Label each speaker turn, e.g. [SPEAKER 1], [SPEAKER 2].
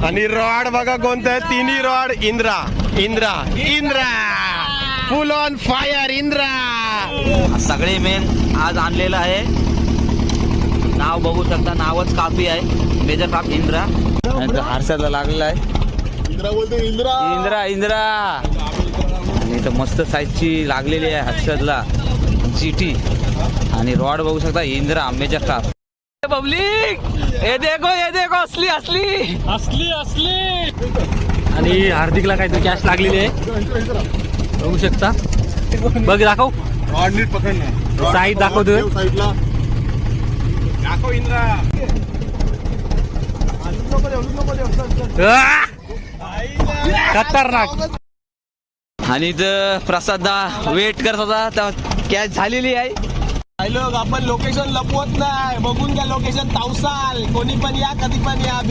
[SPEAKER 1] आणि रॉड बघा कोणतं आहे, तिन्ही rod Indra Indra Indra, full on fire Indra.
[SPEAKER 2] सगळे मेन आज आणलेलं आहे. नाव बघू शकता, नावच काफी आहे. Major craft Indra. हारसाला लागलेला आहे इंद्रा इंद्रा. आणि इथं मस्त साईजची लागलेली आहे हर्षदला जीटी. आणि रॉड बघू शकता इंद्रा मेजर क्राफ्ट. पब्लिक हे देखो असली असली असली असली. आणि हार्दिकला काहीतरी कॅश लागलेली आहे बघू शकता. बघ दाखव साईड दाखवतो. खतरनाक. आणि इथं प्रसादा वेट करत होता तेव्हा कॅच झालेली आहे.
[SPEAKER 1] लोक आपण लोकेशन लपवत नाही, बघून घ्या लोकेशन तावसाल. कोणी पण या, कधी पण या.